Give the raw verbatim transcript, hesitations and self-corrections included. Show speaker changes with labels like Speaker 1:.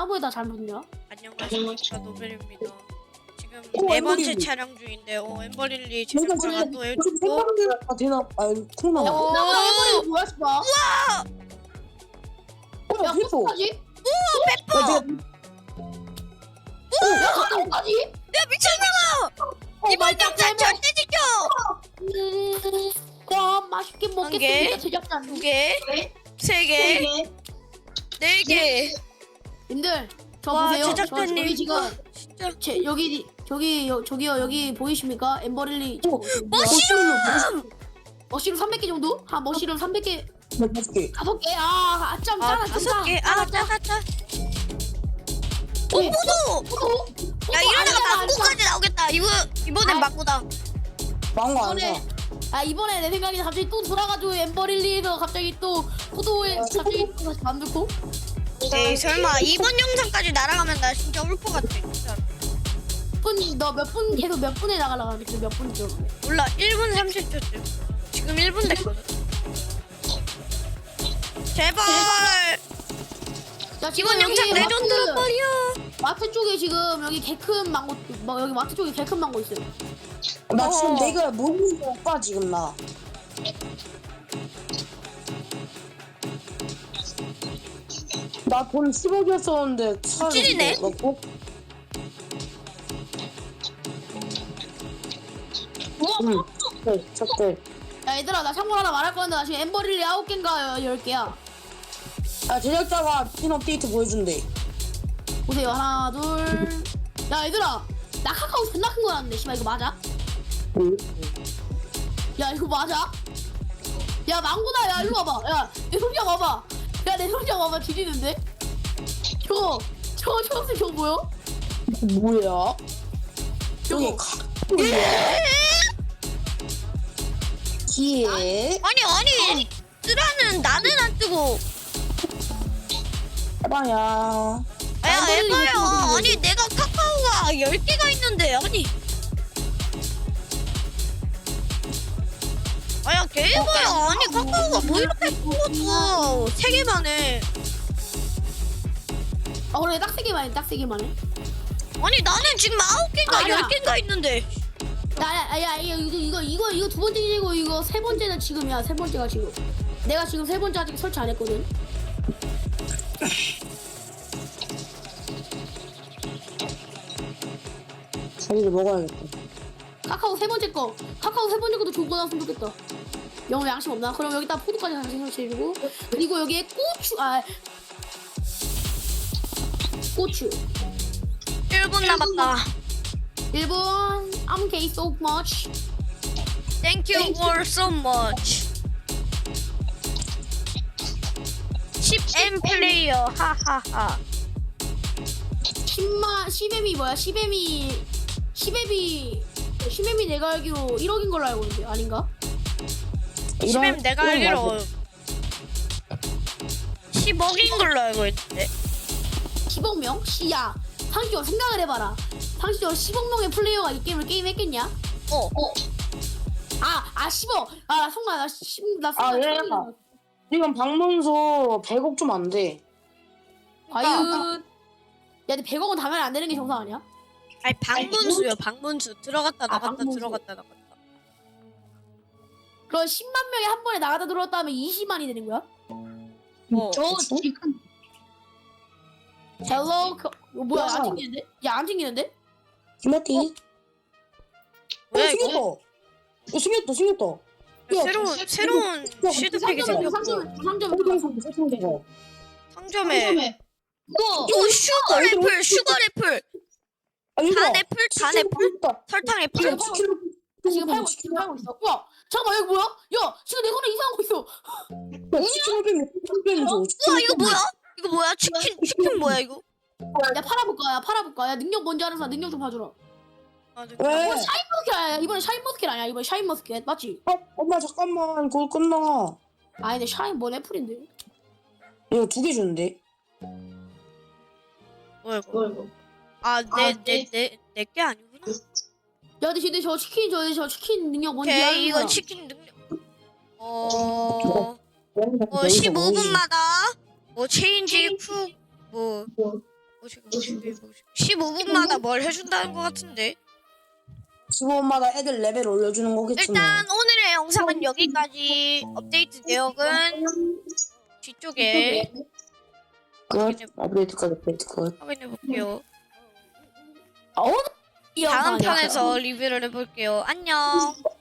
Speaker 1: 나무에다 잘못 넣냐?
Speaker 2: 안녕하십니까 노벨입니다. 지금
Speaker 3: 어,
Speaker 2: 네 번째
Speaker 3: 엠버릴리.
Speaker 2: 촬영 중인데 어 엠버릴리
Speaker 3: 내가
Speaker 2: 제작자가
Speaker 3: 지금
Speaker 2: 또
Speaker 3: 무슨
Speaker 2: 해줬고
Speaker 3: 생방송이 되나? 아 콩나물.
Speaker 1: 야,
Speaker 2: 어.
Speaker 1: 나 해버리는 뭐야, 씨발.
Speaker 3: 어,
Speaker 1: 야,
Speaker 3: 페퍼.
Speaker 1: 어떡하지?
Speaker 2: 페퍼!
Speaker 3: 야, 내가
Speaker 1: 야, 어떡하지?
Speaker 2: 야 미쳤나봐! 이번 영상 절대 지켜!
Speaker 1: 음, 그럼 맛있게
Speaker 2: 개.
Speaker 1: 먹겠습니다, 제작자.
Speaker 2: 두 개, 세 개, 네 개.
Speaker 1: 님들, 저
Speaker 2: 와,
Speaker 1: 보세요. 저,
Speaker 2: 제작자님.
Speaker 1: 저기 지금
Speaker 2: 진짜
Speaker 1: 제, 여기 저기 여, 저기요 여기 보이십니까? 엠버릴리
Speaker 3: 어,
Speaker 1: 머시룸 머시룸 삼백 개 정도? 한 머시룸 삼백 개
Speaker 3: 다섯 개.
Speaker 1: 다섯 개. 아, 아점
Speaker 2: 아
Speaker 1: 짜라 좀
Speaker 2: 다섯 개.
Speaker 1: 짜.
Speaker 2: 아 짜다 짜. 어
Speaker 1: 네.
Speaker 2: 포도!
Speaker 1: 포도.
Speaker 2: 야 이러다가
Speaker 1: 아니야,
Speaker 2: 망고까지 나오겠다. 이거 이번엔
Speaker 1: 아.
Speaker 2: 망고다.
Speaker 3: 망고 안
Speaker 1: 이번에
Speaker 3: 사.
Speaker 1: 아 이번에 내 생각에 갑자기 또 돌아가지고 엠버릴리에서 갑자기 또 포도에 갑자기 또 다시 만들고.
Speaker 2: 에이 설마 이번 영상까지 날아가면 나 진짜 울 것 같아. 진짜.
Speaker 1: 분너몇 분 계속 몇 분에 나가려고 하는데 몇 분이죠?
Speaker 2: 몰라 일 분 삼십 초쯤. 지금 일 분 됐거든. 제발.
Speaker 1: 야, 지금
Speaker 2: 이번 영상
Speaker 1: 여기
Speaker 2: 레전드란
Speaker 1: 마트-
Speaker 2: 말이야.
Speaker 1: 마트 쪽에 지금 여기 개큰 망고 뭐 여기 마트 쪽에 개큰 망고 있어요.
Speaker 3: 나 지금
Speaker 2: 어.
Speaker 3: 내가 모르는 거 오빠 지금 나. 나 돈 십억이었었는데
Speaker 2: 찔이네.
Speaker 3: 넣고. 응. 네, 첫째.
Speaker 1: 야 얘들아 나 참고로 하나 말할 건데 나 지금 엠버릴리 아홉 개인가 열 개야.
Speaker 3: 아 제작자가 핀 업데이트 보여준대.
Speaker 1: 보세요 하나 둘. 야 얘들아 나 카카오 존나 큰 거 나왔는데 씨발 이거 맞아?
Speaker 3: 응.
Speaker 1: 야 이거 맞아? 야 망고다 야 일로 와봐. 야 내 손장 와봐. 야 내 손장 와봐 지리는데? 저거 저거 초록색 저거 뭐야?
Speaker 3: 뭐야? 저기
Speaker 1: 저거.
Speaker 3: 가. 뭐야? 기에
Speaker 2: 아니 아니. 쓰라는 나는 안 뜨고.
Speaker 3: 해봐야.
Speaker 2: 야
Speaker 1: 엠버릴리
Speaker 2: 에바야.
Speaker 1: 유튜브
Speaker 2: 아니 내가 카카오가 열 개가 있는데 아니. 아야 개바야. 아니 카카오가 뭐 이렇게 뽑았어. 세 개만 해.
Speaker 1: 아 그래 딱 세 개만 해딱 세 개만 해.
Speaker 2: 아니 나는 지금 아홉 개인가
Speaker 1: 아니야.
Speaker 2: 열 개인가 있는데.
Speaker 1: 야야야 이거 이거 이거 이거 두 번째이고 이거 세 번째는 지금이야. 세 번째가 지금. 내가 지금 세 번째 아직 설치 안 했거든.
Speaker 3: 자기를 먹어야겠다.
Speaker 1: 카카오 세 번째 거. 카카오 세 번째 것도 좋고 나왔으면 좋겠다. 영어 양심 없나? 그럼 여기다 포도까지 다시 설치해주고 그리고 여기에 고추 아 고추
Speaker 2: 일 분 남았다.
Speaker 1: 일 분 I'm okay so much.
Speaker 2: Thank you for so much. 십 엠 플레이어 하하하.
Speaker 1: 십만 십엠이 뭐야? 십엠이 십엠이 십엠이 내가 알기로 일억인 걸로 알고 있는데 아닌가?
Speaker 2: 십 엠
Speaker 3: 이런-
Speaker 2: 내가
Speaker 3: 이런 거
Speaker 2: 알기로 십억인 걸로 알고 있는데.
Speaker 1: 십억 명? 씨야 상식적으로 생각을 해봐라. 상식적으로 십억 명의 플레이어가 이 게임을 게임했겠냐?
Speaker 2: 어.
Speaker 1: 아, 아 십억. 아, 성나 나 십, 나
Speaker 3: 아,
Speaker 1: 순간
Speaker 3: 예.
Speaker 1: 천억이다.
Speaker 3: 지금 방문소 백억 좀 안 돼.
Speaker 1: 과연 야, 근데 백억은 당연히 안 되는 게 정상 아니야?
Speaker 2: 아니 방문수요 방문수. 들어갔다 나갔다
Speaker 1: 방문수.
Speaker 2: 들어갔다 나갔다.
Speaker 1: 그럼 십만 명이 한 번에 나가다 들어왔다 하면 이십만이 되는 거야?
Speaker 2: 어.
Speaker 1: 지금 헬로 그, 어, 뭐야 안 튕기는데? 야 안 튕기는데?
Speaker 3: 김마티. 어,
Speaker 2: 뭐야
Speaker 3: 생겼다.
Speaker 2: 이거?
Speaker 3: 어, 생겼다, 생겼다. 야,
Speaker 2: 새로운 새로운 시드팩이
Speaker 1: 상점에
Speaker 2: 생겼고
Speaker 1: 상점 상점
Speaker 3: 상점에서 세팅되고.
Speaker 2: 상점에
Speaker 1: 이거
Speaker 2: 이거 슈거 애플 슈거 애플
Speaker 3: 아, 얘들아.
Speaker 2: 단 애플 단 애플 설탕 애플.
Speaker 3: 지금 칠 킬로
Speaker 1: 지금 팔고 있어 지금 팔고 있어. 야 잠깐만 여기 뭐야? 야 지금 내 손에 이상한 거 있어.
Speaker 3: 치킨 뱀이 치킨 뱀이 줘.
Speaker 2: 우와 이거 뭐야? 이거 뭐야? 치킨 치킨 뭐야 이거?
Speaker 1: 야 팔아볼까? 야 팔아볼까? 야 능력 뭔지 아는 사람 능력 좀 봐주라.
Speaker 2: 아, 네.
Speaker 3: 왜?
Speaker 1: 이번에 샤인머스켓 아니야? 이번에 샤인머스켓 아니야? 이번에 샤인머스켓 맞지?
Speaker 3: 어, 엄마 잠깐만 그거 끝나.
Speaker 1: 아니 근데 샤인 뭔 애플인데?
Speaker 3: 이거 두 개 주는데.
Speaker 2: 뭐야 이거? 아내내내내게 아니구나.
Speaker 1: 야 근데 근데 저 치킨 저, 저 치킨 능력 뭔지 아는
Speaker 2: 오케이 이거
Speaker 1: 사람.
Speaker 2: 치킨 능력. 어. 뭐 십오 분마다 뭐 체인지 쿡뭐 십오 분마다 뭘 해준다는 것 같은데.
Speaker 3: 십오 분마다 애들 레벨 올려주는 거겠지. 뭐.
Speaker 2: 일단 오늘의 영상은 여기까지. 업데이트 내역은 뒤쪽에
Speaker 3: 끝. 업데이트 끝. 업데이트 끝.
Speaker 2: 확인해 볼게요.
Speaker 1: 아, 오늘 이
Speaker 2: 다음
Speaker 1: 영상이야.
Speaker 2: 편에서 리뷰를 해볼게요. 안녕.